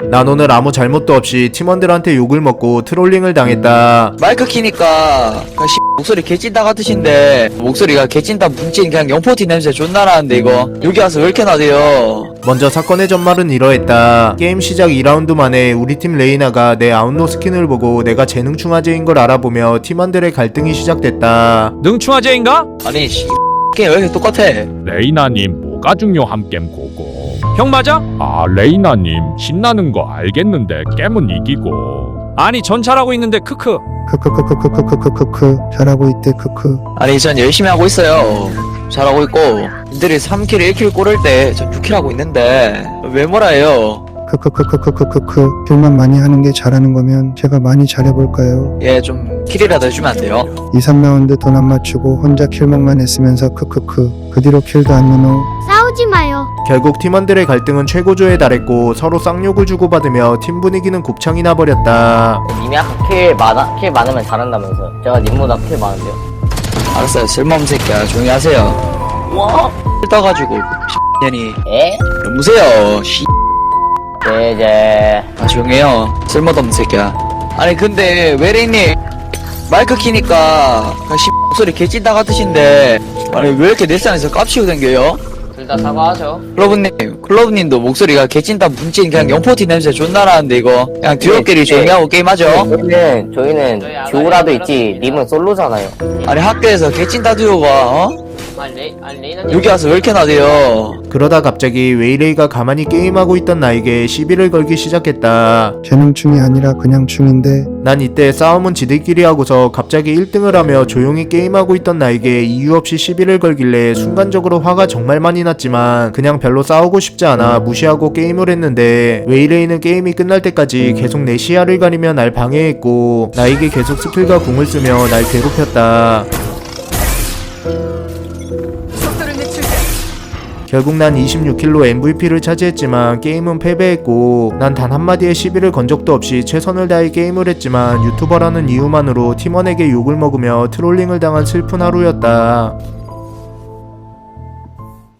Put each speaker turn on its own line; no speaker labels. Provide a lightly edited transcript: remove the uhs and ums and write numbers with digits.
난 오늘 아무 잘못도 없이 팀원들한테 욕을 먹고 트롤링을 당했다.
마이크 키니까 그냥 목소리 개찐다 같으신데 목소리가 개찐다 뭉친 그냥 영포티 냄새 존나 나는데 이거 여기 와서 왜 이렇게 나대요?
먼저 사건의 전말은 이러했다. 게임 시작 2라운드 만에 우리 팀 레이나가 내 아웃로 스킨을 보고 내가 재능충화제인 걸 알아보며 팀원들의 갈등이 시작됐다.
능충화제인가?
아니 게임 왜 이렇게 똑같아?
레이나님 뭐가 중요함 겜 고고.
형 맞아?
아 레이나님 신나는 거 알겠는데 게임은 이기고.
아니 전 잘하고 있는데 크크.
크크크크크크크크크크 잘하고 있대 크크.
아니 전 열심히 하고 있어요. 잘하고 있고 님들이 3킬 1킬 꼬를 때 전 6킬 하고 있는데 왜 뭐라 해요?
크크크크크크크크 킬만 많이 하는 게 잘하는 거면 제가 많이 잘해볼까요?
예 좀 킬이라도 해주면 안 돼요?
2, 3라운드 돈 안 맞추고 혼자 킬먹만 했으면서 크크크 그 뒤로 킬도 안 넣어.
싸우지 마요.
결국 팀원들의 갈등은 최고조에 달했고 서로 쌍욕을 주고받으며 팀 분위기는 곱창이 나버렸다.
님이 아까 킬 많으면 잘한다면서. 제가 님보다 킬 많은데요.
알았어요 쓸모없는 새끼야 조용히 하세요.
와?
떠가지고 년이
에?
여보세요
제제.
아 조용해요 쓸모도 없는 새끼야. 아니 근데 외래님 마이크 키니까 그냥 목소리 개찐다 같으신데 아니 왜 이렇게 내 산에서 깝치고 댕겨요?
둘 다 사과하죠.
클로브님도 목소리가 개찐다 뭉친 그냥 영포티 냄새 존나 나는데 이거 그냥 듀오끼리 조용히 하고 게임하죠.
저희는 듀오라도 있지. 님은 솔로잖아요.
아니 학교에서 개찐다 듀오가 여기 와서 왜 이렇게 나대요?
그러다 갑자기 웨이레이가 가만히 게임하고 있던 나에게 시비를 걸기 시작했다.
재능충이 아니라 그냥 충인데.
난 이때 싸움은 지들끼리 하고서 갑자기 1등을 하며 조용히 게임하고 있던 나에게 이유 없이 시비를 걸길래 순간적으로 화가 정말 많이 났지만 그냥 별로 싸우고 싶지 않아 무시하고 게임을 했는데 웨이레이는 게임이 끝날 때까지 계속 내 시야를 가리며 날 방해했고 나에게 계속 스킬과 궁을 쓰며 날 괴롭혔다. 결국 난 26킬로 MVP를 차지했지만 게임은 패배했고 난 단 한마디의 시비를 건 적도 없이 최선을 다해 게임을 했지만 유튜버라는 이유만으로 팀원에게 욕을 먹으며 트롤링을 당한 슬픈 하루였다.